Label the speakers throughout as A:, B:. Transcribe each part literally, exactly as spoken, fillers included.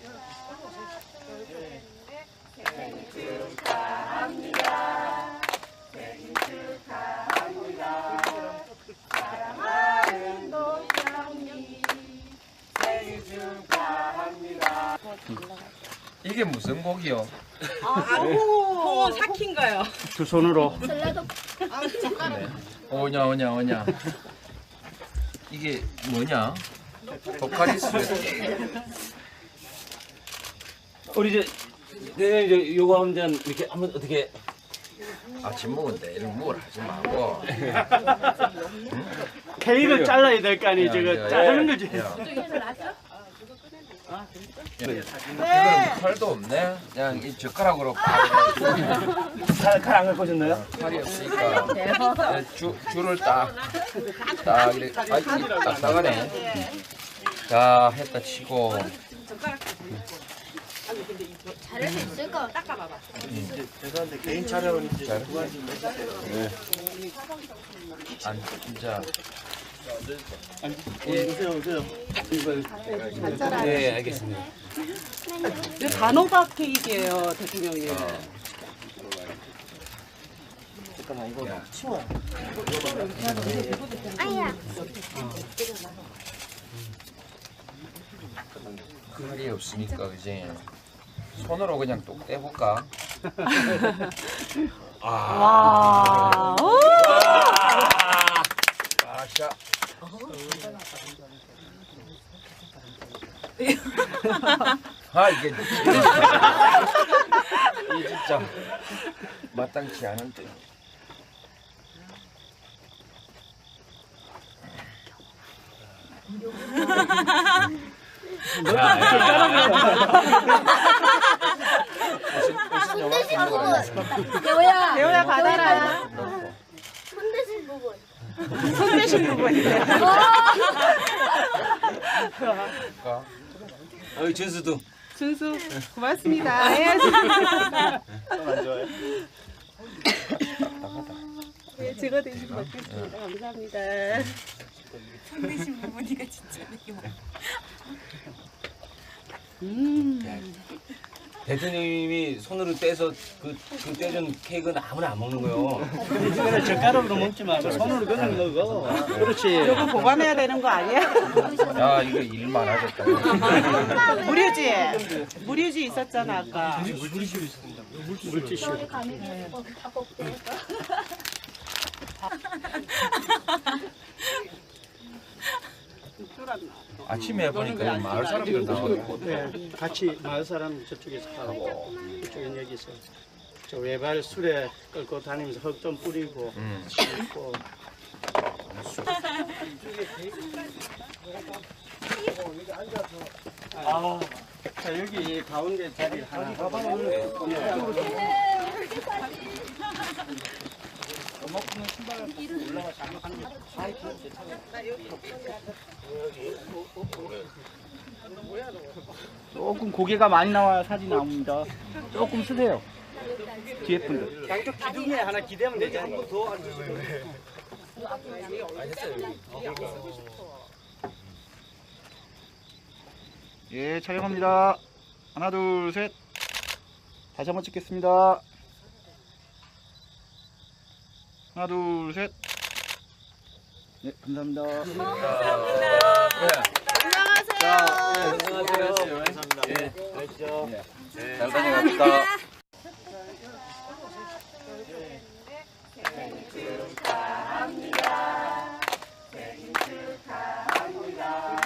A: 생일 축하합니다. 생일 축하합니다. 사랑하는 도경이 생일 축하합니다.
B: 이게 무슨 곡이요?
C: 아, 홍어 삭힌가요?
D: 두 손으로.
B: 네. 오냐 오냐 오냐. 이게 뭐냐? 보카리스.
D: 우리 이제 네, 이제 요거 하면 이렇게 한번 어떻게
B: 아침 먹은데 이런 뭘 하지 말고.
D: 케이크를 잘라야 될 거 아니
B: 야,
D: 저거
B: 야,
D: 자르는 거지.
B: 야. 이거는 칼도 없네. 그냥 이 젓가락으로 팍.
D: 칼안 갖고 오셨나요?
B: 칼이 없으니까 네, 줄 줄을 딱 딱 이렇게 아이 딱 나가네. 자 했다 치고.
A: 잘할 수 있을까?
C: 닦아봐봐.
E: 죄송한데 개인 촬영은 이제
B: 잘.
E: 두 가지
B: 안 진짜.
E: 오세요 오세요.
D: 네, 알겠습니다.
C: 이거 단호박 케이크예요, 대통령님.
E: 잠깐만 이거 치워요.
A: 아야.
B: 칼이 없으니까 그지. 손으로 그냥 똑 떼볼까?
C: 와. 오!
B: 아샤. 아 이게 이게 진짜 마땅치 않은데.
A: 손대신 부분. 대호야.
C: 대호야 받아라.
A: 손대신 부분.
C: 손 대신 부분이네.
D: 어이 준수도.
C: 준수 고맙습니다. 해야지.
E: 안 좋아요?
C: 네, 제가 대신 받겠습니다. 감사합니다. 손 대신 부분이가 진짜 음.
D: 대통령님이 손으로 떼서 그, 그 떼준 케이크는 아무나 안 먹는 거요. 이거는 젓가락으로 먹지 말고 손으로 그냥 먹어. 그렇지.
C: 이거 보관해야 되는 거 아니야?
B: 야 이거 일 많아졌다.
C: 무료지? 무료지 있었잖아 아까.
D: 물티슈.
B: 아침에 보니까 마을 사람들 나오고.
F: 네, 같이 마을 사람 저쪽에서 하고 이쪽은 여기서 저 외발 술에 끌고 다니면서 흙 좀 뿌리고
B: 음.
F: 씻고 아, 자 여기 가운데 자리 하나
D: 조금 고개가 많이 나와야 사진 나옵니다. 조금 쓰세요. 뒤에 분들.
F: 양쪽 기둥에 하나 기대면 되지 한 번 더 앉으시고
D: 예, 촬영합니다. 하나, 둘, 셋. 다시 한번 찍겠습니다. 하나, 둘, 셋. 네, 감사합니다.
E: 안녕하세요. 감사합니다. 네. 가시죠.
B: 잘 다녀갑시다.
A: 생일 축하합니다. 생일 축하합니다.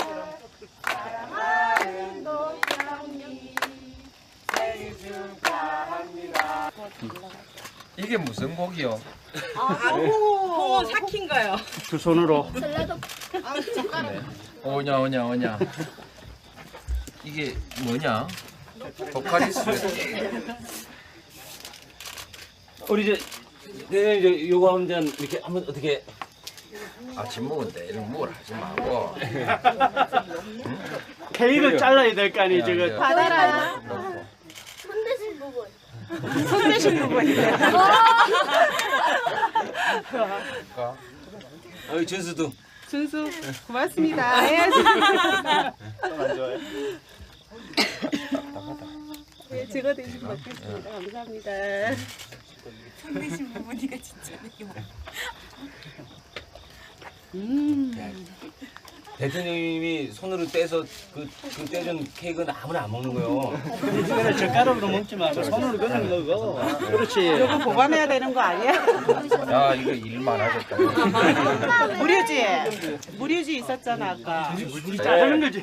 A: 사랑하는 도경이 생일 축하합니다.
B: 이게 무슨 곡이요?
C: 아, 홍어 삭힌가요?
D: 두 손으로.
B: 네. 오냐 오냐 오냐. 이게 뭐냐? 보카리스.
D: 우리 이제 네, 이제 요거 하면 이렇게 한번 어떻게
B: 아침 먹은데 이런 뭘 하지 말고.
F: 케이크를 잘라야 될 거 아니
B: 야,
F: 저거
B: 야.
C: 받아라.
A: 손대신 부분.
C: 손 대신 부분이네.
D: 어이 준수도.
C: 준수 고맙습니다. 해야지.
E: 안 좋아요?
C: 네, 제가 대신 받겠습니다. 감사합니다.
G: 손대신 부모니까 진짜 이거.
C: 음.
D: 대통령님이 손으로 떼서 그, 그 떼준 케이크는 아무나 안 먹는 거예요.
F: 이제는 젓가락으로 먹지 말고 손으로 그냥 먹어. 그렇지.
C: 이거 보관해야 되는 거 아니야?
B: 야 이거 일 많아졌다.
C: 무료지? 무료지 있었잖아 아까.
F: 우리 잘하는 거지.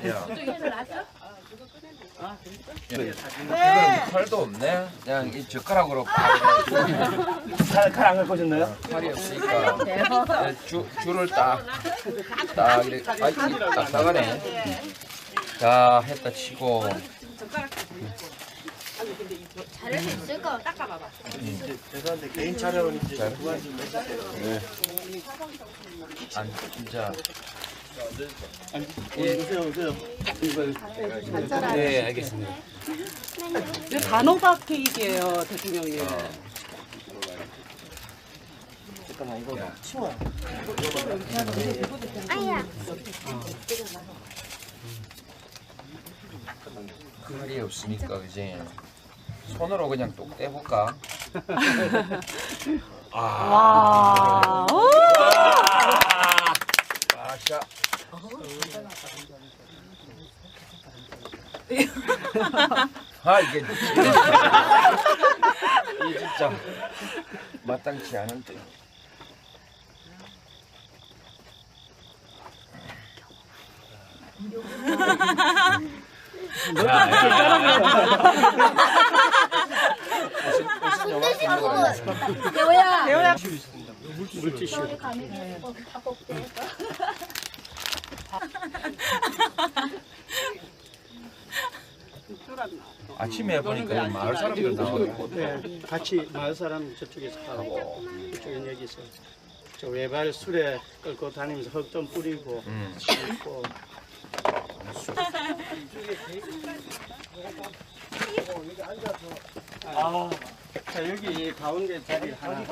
B: 이거는 칼도 없네. 그냥 이 젓가락으로
D: 칼안 갖고 오셨나요?
B: 칼이 없으니까 네, 주, 줄을 딱, 딱 이렇게 아이 딱딱하네. 자 했다 치고
A: 잘할 수 있을까?
E: 죄송한데 개인 촬영은 이제 그만 좀 해주세요.
B: 안 진짜
E: 오세요 오세요.
D: 네, 알겠습니다.
C: 이거 단호박 케이크예요 대통령님.
E: 잠깐만 이거 치워요.
A: 아야.
B: 칼이 없으니까 그지. 손으로 그냥 똑 떼볼까?
C: 와. 오!
B: 아샤. 아 이게 이게 진짜 마땅치 않은데.
A: 손대신 부분. 여보야.
C: 대호야.
F: 물티슈.
B: 아침에 보니까 마을 사람들 나오고
F: 네, 같이 마을 사람 저쪽에서 하고 이쪽은 여기서 저 외발 술에 끌고 다니면서 흙 좀 뿌리고
B: 음.
F: 씻고. 아, 자 여기 가운데 자리 하나.